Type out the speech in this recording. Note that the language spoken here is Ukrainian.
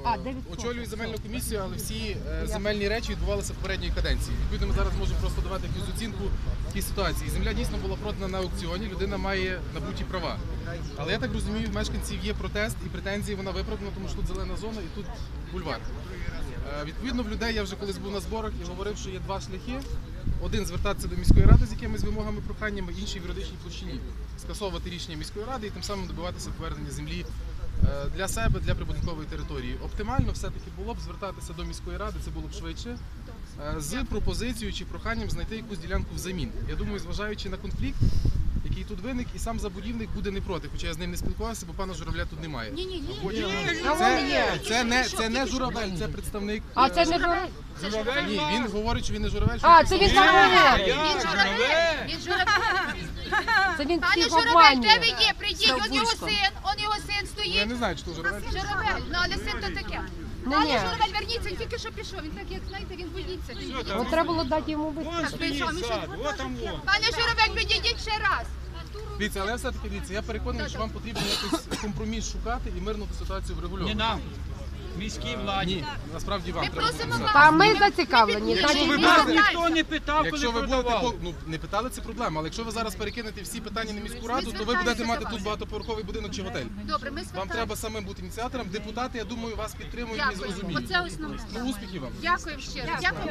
очолюю земельну комісію, але всі земельні речі відбувалися в попередньої каденції. Відповідно, ми зараз можемо просто давати якусь оцінку в тій ситуації. Земля дійсно була продана на аукціоні, людина має набуті права. Але я так розумію, в мешканців є протест і претензії, вона виправдана, тому що тут зелена зона і тут бульвар. Відповідно, в людей я вже колись був на зборах і говорив, що є два шляхи. Один – звертатися до міської ради з якимись вимогами, проханнями, інший – в юридичній площині. Скасовувати рішення міської ради і тим самим добиватися повернення землі для себе, для прибудинкової території. Оптимально все-таки було б звертатися до міської ради, це було б швидше, з пропозицією чи проханням знайти якусь ділянку взамін. Я думаю, зважаючи на конфлікт, який тут виник, і сам забудівник буде не проти, хоча я з ним не спілкувався, бо пана Журавля тут немає. Це не Журавель, це представник... А це не Журавель? Ні, він говорить, що він не Журавель. А, це він Журавель. Він Журавель. Це він Пане всіх Журавель, обманює. де ви є? Прийдіть, он його син Я стоїть. не знаю, чи то Журавель. Журавель, ну але син то таке. Ні. Пане Журавель, верніться, він тільки що пішов. Він так, як знаєте, він боїться. От треба було дати йому виступ. Пане Журавель, підійдіть ще раз. Дивіться, але все-таки дивіться, я переконаний, що вам потрібно якийсь компроміс шукати і мирну ту ситуацію врегульовувати. Не нам, міській владі. Ні, насправді вам Ми треба просимо написати. Та ми зацікавлені. Якщо ви Нас будете- ніхто не питав, Якщо коли ви будете, продавали. ну не питали, це проблема, але якщо ви зараз перекинете всі питання на міську раду, то ви будете мати тут багатоповерховий будинок чи готель. Добре, ми Вам звертаємося. треба самим бути ініціатором. Депутати, я думаю, вас підтримують і Дякую. зрозуміють. Оце основне. Ну, успіхів вам. Дякую щиро. Дякую.